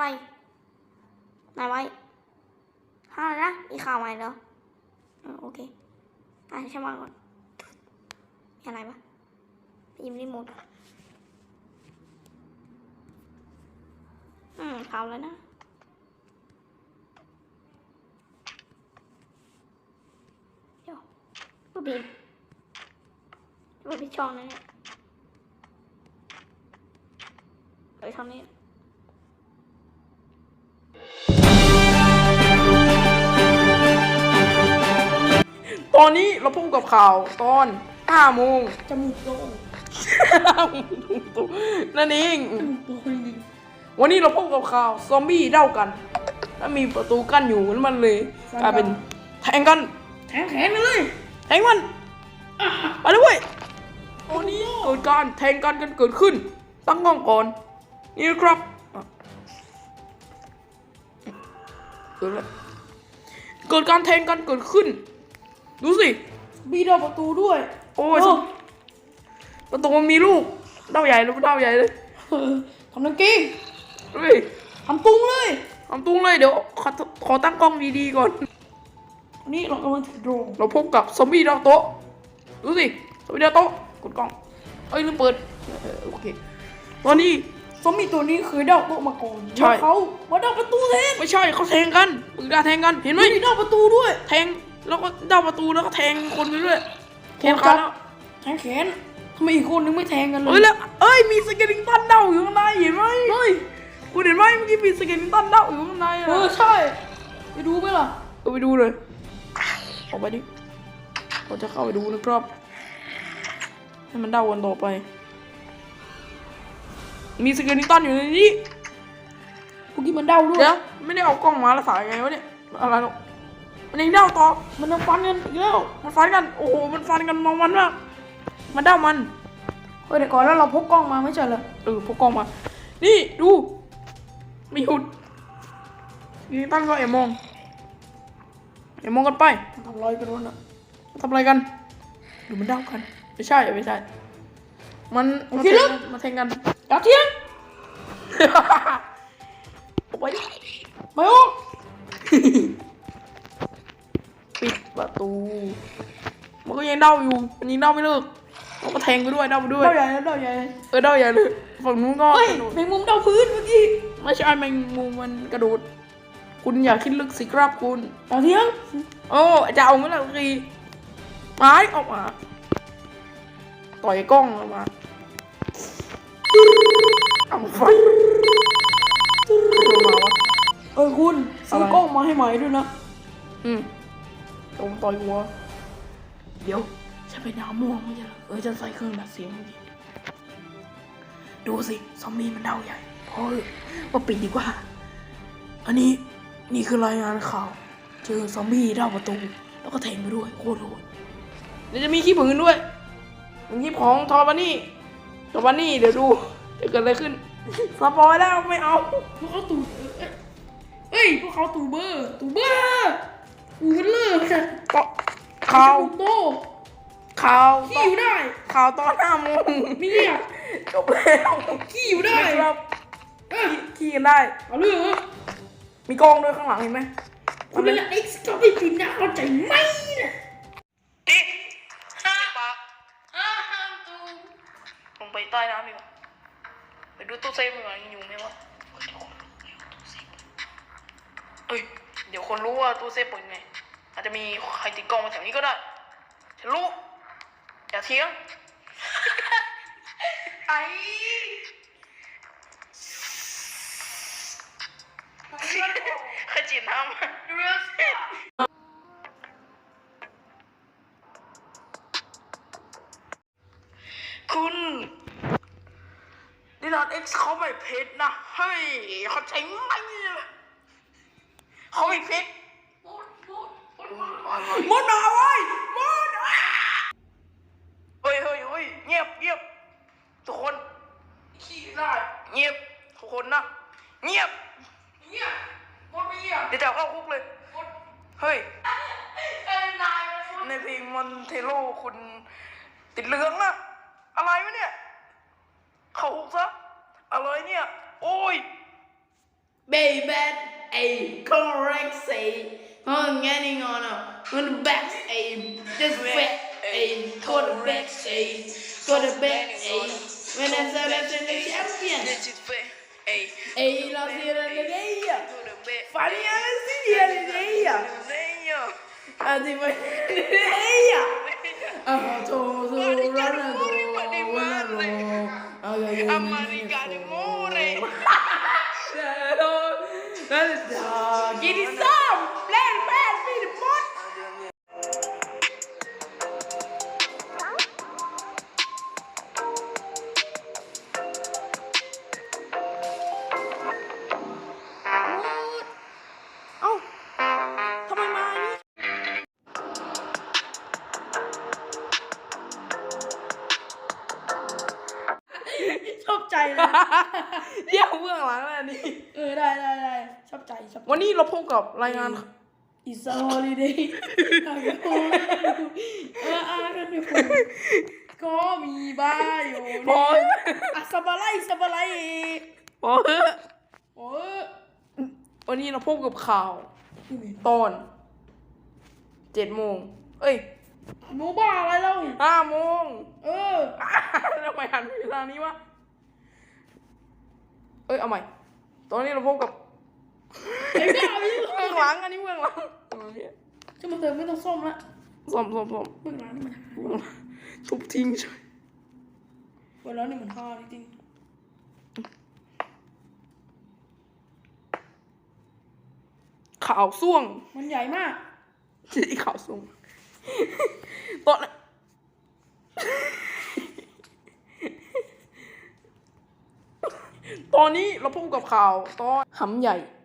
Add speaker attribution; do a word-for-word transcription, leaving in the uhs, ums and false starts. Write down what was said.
Speaker 1: อะไรไหนไว้ห้าอะไรนะมีข่าวใหม่เหรอโอเคอ่ะใช่ไหมก่อนมีอะไรปะยิมรีโมทอืมข่าวแล้วนะเดี๋ยวก็บินก็บินช่องนั่นเนี่ยไปทำนี่
Speaker 2: ตอนนี้เราพบกับข่าวตอนห้าโมง
Speaker 1: จมูกโด่ง
Speaker 2: นั่นเอง
Speaker 1: จมูกโด่งจริง
Speaker 2: วันนี้เราพบกับข่าวซอมบี้เด้ากันแล้วมีประตูกั้นอยู่แล้วมันเลยกลายเป็นแทงกัน
Speaker 1: แทงแขนกันเลย
Speaker 2: แทงมันไปเลยเว้ยตอนนี้เกิดการแทงกันกันเกิดขึ้นตั้งกล้องก่อนนี่นะครับเกิดอะไรเกิดการแทงกันเกิดขึ้นดูสิ
Speaker 1: บีดอกประตูด้วย
Speaker 2: โอ้ยประตูมันมีลูกเด้าใหญ่เลยเด้าใหญ่เลย
Speaker 1: ทำนังกี้
Speaker 2: เฮ้ย
Speaker 1: ทำตุ้งเลย
Speaker 2: ทำตุ้งเลยเดี๋ยวขอขอตั้งกล้องดีๆก่อน
Speaker 1: นี่เรากำลังถือโดรน
Speaker 2: เราพบกับซอมบี้ดาวโต๊ะดูสิซอมบี้ดาวโต๊ะกดกล้องเอ้ยลืมเปิดเออโอเคตอนนี้
Speaker 1: ซอมบี้ตัวนี้เคยเดาโต๊ะมาก่อน
Speaker 2: ใช่
Speaker 1: แล้วเขามาเดาประตูแทน
Speaker 2: ไม่ใช่เขาแทงกันปืนกาแทงกันเห็นไหม
Speaker 1: มีเดาประตูด้วย
Speaker 2: แทงแล้วก็เด้าประตูแล้วก็แทงคนไปด้วยแทง
Speaker 1: ครั
Speaker 2: ขา
Speaker 1: บ
Speaker 2: แล้ว
Speaker 1: แทงแขนทำไมอีกคนนึงไม่แทงกันเล
Speaker 2: เอ้ย
Speaker 1: ย
Speaker 2: แล้วเอ้ยมีสเกลิงตันเด้าอยู่ข้างในเห็นไหม
Speaker 1: เฮ้ย
Speaker 2: คุณเห็นไหมเมื่อกี้มีสเกลิงตันเด้าอยู่ข้างใน
Speaker 1: เอ
Speaker 2: อะ
Speaker 1: อใช่ไปดูไหมล่ะ
Speaker 2: เออไปดูเลยออกไปดิเราจะเข้าไปดูนะครับให้มันเด้ากันต่อไป มีสเกลิงตันอยู่ในนี้
Speaker 1: พวกนี้มันเดาด้วย
Speaker 2: เดี๋ยวไม่ได้เอากล้องมาแล้วสายไงวะเนี่ยอะไรหรอกมันยังเด้าต่อ
Speaker 1: มันยังฟันกันอีกแล้ว
Speaker 2: มันฟันกันโอ้โหมันฟันกันมองมันมากมันเด้ามัน
Speaker 1: เฮ้ยเดี๋ยวก่อนแล้วเราพกกล้องมาไม่ใช่เหรอ
Speaker 2: เออพกกล้องมานี่ดูไม่หยุดยิงตั้งก็แอบมองแอบมองกันไป
Speaker 1: ทำอะไรกันวะน่ะ
Speaker 2: ทำอะไรกันดูมันเด้ากันไม่ใช่ไม่ใช่มันมันแทงกันมันแทงกัน
Speaker 1: อย่าเที่ยง
Speaker 2: ออกไปดิ
Speaker 1: ไม่ออก
Speaker 2: ปิดประตูมันก็ยังเด้าอยู่มันยังเด้าไม่เลิกมันก็แทงไปด้วยเด้าไปด้วย
Speaker 1: เดาใหญ่แล้วเดาใหญ่เลย
Speaker 2: เออเด้าใหญ่เลยฝั่งนู้นก็
Speaker 1: เฮ้ย
Speaker 2: กระโดด
Speaker 1: แมงมุมเดาพื้นเมื่อกี้
Speaker 2: ไม่ใช่แมงมุมมันกระโดดคุณอย่าคิดลึกสิครับคุณ
Speaker 1: อย่าเที่ยง
Speaker 2: โอ้จะเอาไหมล่ะทีไม้ออกมาต่อยกล้องออกมาเอาไฟตัวมาวะ
Speaker 1: เออคุณซื้อ
Speaker 2: อะไร
Speaker 1: กล้องมาให้ใหม่ด้วยนะ
Speaker 2: อืมตรงต่อยหัวเดี๋ยวฉันไปน้ำม่วงไม่ใช่เหรอเออจะใส่เครื่องดัดเสียงเมื่อกี้ดูสิซอมบี้มันเดาใหญ่พอเถอะมาปิดดีกว่า อันนี้นี่คือรายงานข่าวเจอซอมบี้เดาประตูแล้วก็แทงไปด้วยโคตรโหดเดี๋ยวจะมีขี้ผึ้งด้วยมีขี้ของทอบันนี่ทอบันนี่เดี๋ยวดูจะเกิดอะไรขึ้นสปอยแล้วไม่เอา
Speaker 1: พวกเขาตู่เอ้ยพวกเขาตู่เบอร์ตู่เบอร์อูมันเลิกค่ะ
Speaker 2: ก็ข่าว
Speaker 1: โต
Speaker 2: ข่าว
Speaker 1: ขี้อยู่ได้
Speaker 2: ข่าวตอนห้าโมง
Speaker 1: มีเนี่ย
Speaker 2: จบแล้ว
Speaker 1: ขี้อยู่ได้
Speaker 2: ครับ
Speaker 1: เอ้ย
Speaker 2: ขี่กันได้
Speaker 1: เอาเรื่องเหรอ
Speaker 2: มีกล้องด้วยข้างหลังเห็นไหม
Speaker 1: คุณเป็นเอ็กซ์ก็ไม่ปิดนะเข้าใจไหมเนี่ย
Speaker 2: ดิปากลงไปใต้น้ำดีกว่าไปดูตู้เซฟดีกว่ายังอยู่ไหมวะเอ้ยเดี๋ยวคนรู้ว่าตู้เซฟเปิดยังไงอาจจะมีใครติดกล้องมาแถวนี้ก็ได้ฉันรู้อย่าเถียง ไอ้ขจิตน้ำคุณนี่นอนเอ็กซ์เขาไม่เพชรนะเฮ้ยเขาใช้ไหมเขาไม่เพชรมดมาเว้ยมดเฮ้ยเฮ้ยเฮ้ยเงียบเงียบทุกคนขี้ได้เงียบทุกคนนะเงียบเงียบมดไม่เงียบเดี๋ยวจะเข้าคุกเลยเฮ้ยในเพลงมอนเทโลคุณติดเหลืองนะอะไรวะเนี่ยเข้าคุกซะอะไรเนี่ยโอ้ย baby a correct say on getting on on the back a this back a go the back a go the back a when I selection the champion a la sera de ella Faria la sera de ella así fue de ella ah todo todo rana todo America de more Get it some let it pass me the pot เอ้าทำไมมานี่ชอบใจเลยเยี่ยมเบื้องหลังแล้วนี่เออได้ได้ได้ชอบใจชอบวันนี้เราพบกับรายงาน It's a holiday เอออ่านกันไปผมก็มีบ้าอยู่พออ่ะสบายไลสบายไลพอโอ้วันนี้เราพบกับข่าวตอนเจ็ดโมงเอ้ยโมบ้าอะไรเล่าห้าโมงเออทำไมหันไปทางนี้วะเอ้ยเอาใหม่ตอนนี้เราพบกับไอ้บ้าไม่ใช่เบื้องหลังอันนี้เบื้องหลังจะมาเติมไม่ต้องส้มละส้มส้มส้มเบื้องหลังนี่มันทุบทิ้งใช่เบื้องหลังนี่มันห่อจริงข่าวส่วงมันใหญ่มากที่ข่าวส่วงตอนตอนนี้เราพบกับข่าวตอนหำใหญ่